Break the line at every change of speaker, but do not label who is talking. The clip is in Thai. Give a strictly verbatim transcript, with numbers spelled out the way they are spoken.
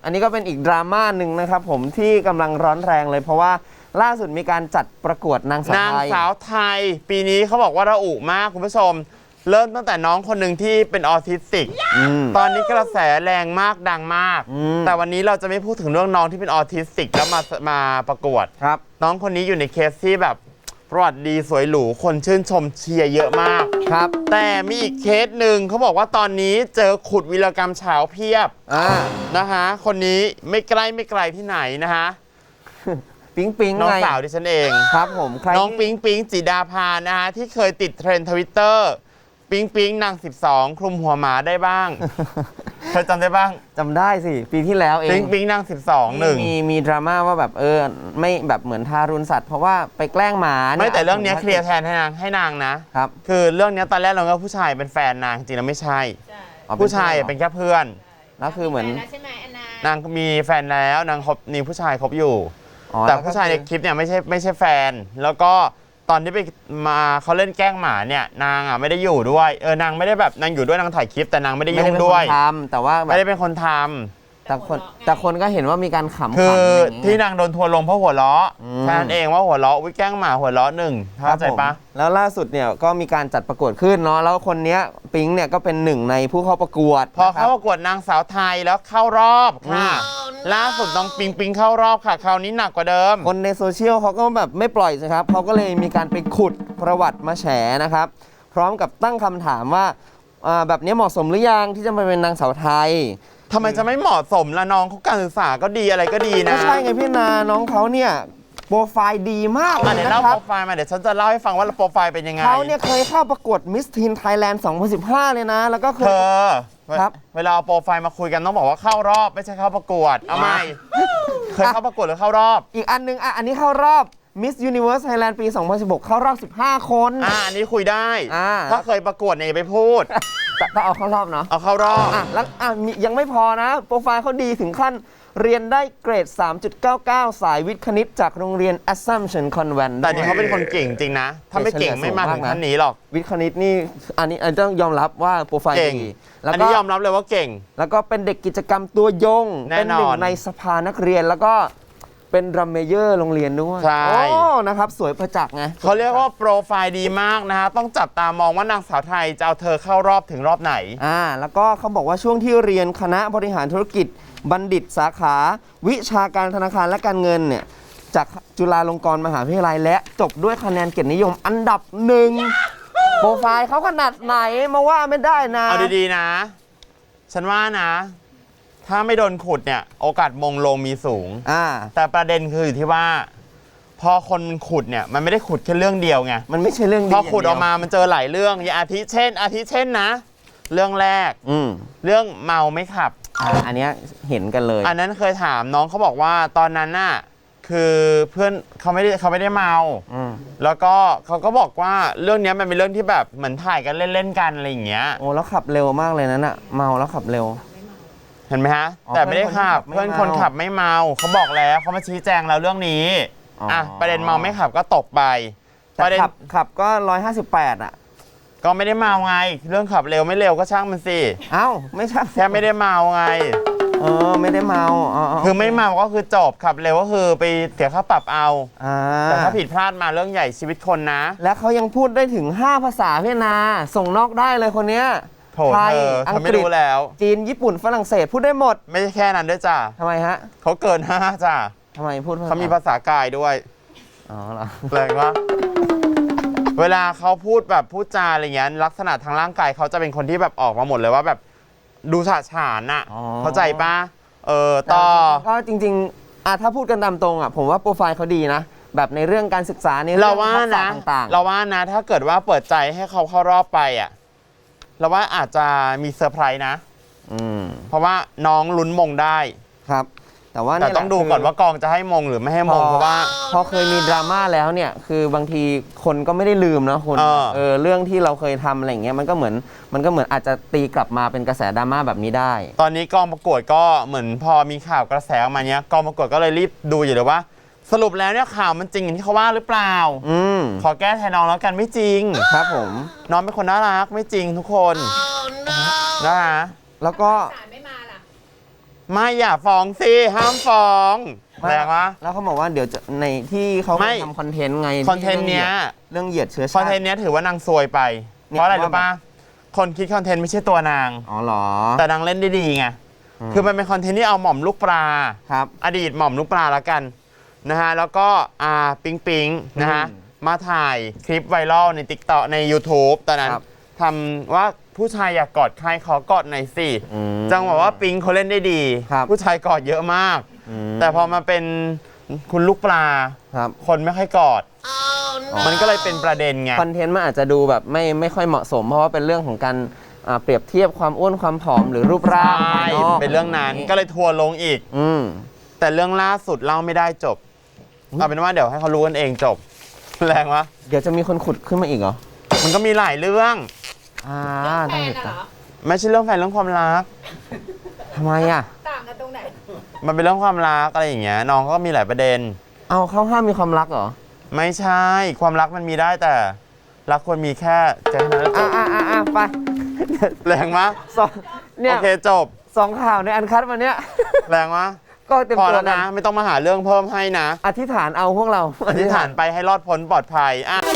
อันนี้ก็เป็นอีกดราม่าหนึ่งนะครับผมที่กำลังร้อนแรงเลยเพราะว่าล่าสุดมีการจัดประกวดนางสาวไทย
นางสาวไทยปีนี้เขาบอกว่าระอุมากคุณผู้ชมเริ่มตั้งแต่น้องคนหนึ่งที่เป็นออทิสติกตอนนี้กระแสแรงมากดังมากแต่วันนี้เราจะไม่พูดถึงเรื่องน้องที่เป็นออทิสติกแล้วมามาประกวด
ครับ
น้องคนนี้อยู่ในเคสที่แบบประวัติดีสวยหรูคนชื่นชมเชียร์เยอะมาก
ครับ
แต่มีอีกเคสหนึ่งเขาบอกว่าตอนนี้เจอขุดวีรกรรมเฉาเพียบนะคะคนนี้ไม่ใกล้ไม่ไกลที่ไหนนะคะ
ปิ๊งปิ๊ง
น้องสาวดิฉันเอง
ครับผมใคร
น้องปิ๊งปิ๊งจิดาภานะคะที่เคยติดเทรนด์ทวิตเตอร์ปิ๊งปิ๊งนางสิบสองคลุมหัวหมาได้บ้างเธอจำได้บ้าง
จำได้สิปีที่แล้วเอง
ปิ๊งปิ๊งนางสิบสองหนึ่ง
มีมีดราม่าว่าแบบเออไม่แบบเหมือนทารุณสัตว์เพราะว่าไปแกล้งหมา
ไม่แต่เรื่องนี้เคลียร์แทนให้นางให้นางนะครับคือเรื่องนี้ตอนแรกเราก็ผู้ชายเป็นแฟนนางจริงแล้วไม่ใช่ผู้ชายเป็นแค่เพื่อน
แล้วคือเหมือน
นางมีแฟนแล้วนางคบมีผู้ชายคบอยู่แต่ผู้ชายในคลิปเนี่ยไม่ใช่ไม่ใช่แฟนแล้วก็ตอนที่ไปมาเขาเล่นแกล้งหมาเนี่ยนางอ่ะไม่ได้อยู่ด้วยเออนางไม่ได้แบบนางอยู่ด้วยนางถ่ายคลิปแต่นางไม่ได้ยุ่งด้วย
ทำแต่ว่า
ไม่ได้เป็นคนท
ำแต่คนแต่คนก็เห็นว่ามีการขำ
คือที่นางโดนทัวร์ลงเพราะหัวเราะแค่นั้นเองว่าหัวเราะวิแกล้งหมาหัวเราะหนึ่งเข้าใจปะ
แล้วล่าสุดเนี่ยก็มีการจัดประกวดขึ้นเนาะแล้วคนนี้ปิ๊งเนี่ยก็เป็นหนึ่งในผู้เข้าประกวด
พอเข้าประกวดนางสาวไทยแล้วเข้ารอบค่ะล่าสุดน้องปิงปิงเข้ารอบค่ะคราวนี้หนักกว่าเดิม
คนในโซเชียลเขาก็แบบไม่ปล่อยสิครับเขาก็เลยมีการไปขุดประวัติมาแฉนะครับพร้อมกับตั้งคำถามว่าแบบนี้เหมาะสมหรือยังที่จะมาเป็นนางสาวไทย
ทำไมจะไม่เหมาะสมละน้องเขาการศึกษาก็ดีอะไรก็ดีนะ
ไม่ใช่ไงพี่นาน้องเขาเนี่ยโปรไฟล์ดีมาก
เลยนะครับเดี๋ยวเล่าโปรไฟล์มาเดี๋ยวฉันจะเล่าให้ฟังว่าโปรไฟล์เป็นยังไง
เขาเนี่ยเคยเข้าประกวดมิสทีนไทยแลนด์สองพันสิบห้าเลยนะแล้วก็เคย
ครับเวลาเอาโปรไฟล์มาคุยกันต้องบอกว่าเข้ารอบไม่ใช่เข้าประกวดเอาไม่เคยเข้าประกวดหรือเข้ารอบ
อีกอันนึงอ่ะอันนี้เข้ารอบ Miss Universe Thailand ปีสองพันสิบหกเข้ารอบสิบห้าคน
อ่าอันนี้คุยได้ถ้าเคยประกวดเนี่ยไปพูด
ก็เอาเข้ารอบเนาะ
เอาเข้ารอบ
อ่ะแล้วอ่ะยังไม่พอนะโปรไฟล์เขาดีถึงขั้นเรียนได้เกรด สามจุดเก้าเก้า สายวิทย์คณิตจากโรงเรียน Assumption Convent
แต่นี่เขาเป็นคนเก่งจริงนะถ้าไม่เก่งไม่มาถึงขั้นนี้หรอก
วิทย์คณิตนี่อันนี้อันต้องยอมรับว่าโปรไฟล์ดี
อันนี้ยอมรับเลยว่าเก่ง
แล้วก็เป็นเด็กกิจกรรมตัวยงเป็นหนึ่งในสภานักเรียนแล้วก็เป็นรัมเมเยอร์โรงเรียนด้วย
ใช่
โอ้นะครับสวยประจักษ์ไง
เขาเรียกว่าโปรไฟล์ดีมากนะฮะต้องจับตามองว่านางสาวไทยจะเอาเธอเข้ารอบถึงรอบไหน
อ่าแล้วก็เขาบอกว่าช่วงที่เรียนคณะบริหารธุรกิจบัณฑิตสาขาวิชาการธนาคารและการเงินเนี่ยจากจุฬาลงกรณ์มหาวิทยาลัยและจบด้วยคะแนนเกียรตินิยมอันดับหนึ่งโปรไฟล์เขาขนาดไหนมาว่าไม่ได้นะ
เอาดีๆนะฉันว่านะถ้าไม่โดนขุดเนี่ยโอกาสมงลงมีสูงแต่ประเด็นคืออยู่ที่ว่าพอคนขุดเนี่ยมันไม่ได้ขุดแค่เรื่องเดียวไง
มันไม่ใช่เรื่องเดียว
พอขุดออกมามันเจอหลายเรื่องอย่างอาทิเช่นอาทิเช่นนะเรื่องแรกเรื่องเมาไม่ขับ
อันนี้เห็นกันเลย
อันนั้นเคยถามน้องเขาบอกว่าตอนนั้นน่ะคือเพื่อนเขาไม่ได้เขาไม่ได้เมาแล้วก็เขาก็บอกว่าเรื่องนี้มันเป็นเรื่องที่แบบเหมือนถ่ายกันเล่นๆกันอะไรอย่างเงี้ย
โอ้แล้วขับเร็วมากเลยนั่นน่ะเมาแล้วขับเร็ว
เห็นไหมฮะแต่ไม่ได้ขับเพื่อนคนขับไม่เมาเขาบอกแล้วเขามาชี้แจงแล้วเรื่องนี้อ่ะประเด็นเมาไม่ขับก็ตกไป
ประเด็นขับขับก็ร้อยห้าสิบแปดอ่ะ
ก็ไม่ได้เมาไงเรื่องขับเร็วไม่เร็วก็ช่างมันสิ
เอ้าไม่ใช่
แค่ไม่ได้เมาไง
เออไม่ได้เมา
คือไม่เมาก็คือจบขับเร็วก็คือไปเสียค่าปรับเอาแต่ถ้าผิดพลาดมาเรื่องใหญ่ชีวิตคนนะ
และเขายังพูดได้ถึงห้าภาษาพี่นาส่งนอกได้เลยคนเนี้ย
ไทยอังกฤษแล้ว
จีนญี่ปุ่นฝรั่งเศสพูดได้หมด
ไม่ใช่แค่นั้นด้วยจ้า
ทำไมฮะ
เขาเกินห้าจ้า
ทำไมพูด
เขามีภาษากายด้วย
อ๋อเหรอ
แปลว่าเวลาเขาพูดแบบพูดจาอะไรเงี้ยลักษณะทางร่างกายเขาจะเป็นคนที่แบบออกมาหมดเลยว่าแบบดูฉาฉานอ่ะเข้าใจปะเออต่อ
ก็จริงๆอ่ะถ้าพูดกันตามตรงอ่ะผมว่าโปรไฟล์เขาดีนะแบบในเรื่องการศึกษาในเรื่องทักษะต่าง
ๆเราว่านะถ้าเกิดว่าเปิดใจให้เขาเข้ารอบไปอ่ะเราว่าอาจจะมีเซอร์ไพรส์นะเพราะว่าน้องลุ้นมงได้
ครับแต่ว่า
แต่ต้องดูก่อนว่ากองจะให้มงหรือไม่ให้มงเพราะว่า
พอเคยมีดราม่าแล้วเนี่ยคือบางทีคนก็ไม่ได้ลืมนะคุณเออเรื่องที่เราเคยทำอะไรอย่างเงี้ยมันก็เหมือนมันก็เหมือนอาจจะตีกลับมาเป็นกระแสดราม่าแบบนี้ได้
ตอนนี้กองประกวดก็เหมือนพอมีข่าวกระแสออกมาเนี้ยกองประกวดก็เลยรีบดูอยู่เลยว่าสรุปแล้วเนี่ยข่าวมันจริงอย่างที่เขาว่าหรือเปล่า
อืม
ขอแก้แทนน้องแล้วกันไม่จริง
ครับผม
น้องเป็นคนน่ารักไม่จริงทุกคนนะฮะ
แล้วก็
ไม่อย่าฟ้องสิห้ามฟ้องแรงวะ
แล้วเขาบอกว่าเดี๋ยวจะในที่เขา
ไม่
ทำคอนเทนต์ไง
คอนเทนต์เนี้ย
เรื่องเหยียดเชื้อ
คอ
ชาน ติ
เทนต์เนี้ยถือว่านางซวยไป
เนี่ย
เพราะอะไร
ว่า
รู้ป่ะคนคิดคอนเทนต์ไม่ใช่ตัวนาง
อ๋อเหรอ
แต่นางเล่นได้ดีไง
อืม
คือมันเป็นคอนเทนต์ที่เอาหม่อมลูกปลา
ครับ
อดีตหม่อมลูกปลาละกันนะฮะแล้วก็อาปิงปิงนะฮะ
อืม
มาถ่ายคลิปไวรัลใน ติ๊กต็อก ใน ยูทูบ ตอนนั้น
ครับ
ทำว่าผู้ชายอยากกอดใครขอกอดหน่อยสิ
อืม
จังหวะว่าปิงเขาเล่นได้ดี
ครับ
ผู้ชายกอดเยอะมาก
อืม
แต่พอมาเป็นคุณลูกปลา
ครับ
คนไม่ค่อยกอด มันก็เลยเป็นประเด็นไง
คอนเทนต์มันอาจจะดูแบบไม่ไม่ค่อยเหมาะสม เพราะว่าเป็นเรื่องของการอ่าเปรียบเทียบความอ้วนความผอมหรือรูปร่าง
ใช่
ภายนอก
เป็นเรื่องนั้นก็เลยทัวร์ลงอีก
อืม
แต่เรื่องล่าสุดเล่าไม่ได้จบ เอาเป็นว่าเดี๋ยวให้เขารู้กันเองจบ แรงวะ
เดี๋ยวจะมีคนขุดขึ้นมาอีกเหรอ
มันก็มีหลายเรื่อง
อ่า
แฟ
ต้อง
น
ติด
อะเหร
ตาม
อ
ไม่ใช่เรื่องแฟนเรื่องความรัก
ทำไมอ่ะ
ต่างกันตรงไหน
มันเป็นเรื่องความรักอะไรอย่างเงี้ยน้องก็มีหลายประเด็น
เอาเขาห้ามมีความรักเหรอ
ไม่ใช่ความรักมันมีได้แต่ รักควรมีแค่ใจเท่านั้นแล้วจ
อ่า
บ
อ่าอ่าอ่าไป
แรงมะ
สองเนี่
โอย เคจบ
สองข่าวในอันคัดวันเนี้ย
แรงมะ
ก็เต็ม
พอ
ตัว
แล้ว
กั
นะ ไม่ต้องมาหาเรื่องเพิ่มให้นะ
อธิษฐานเอาพวกเรา
อธิษฐานไปให้รอดพ้นปลอดภัยอ่ะ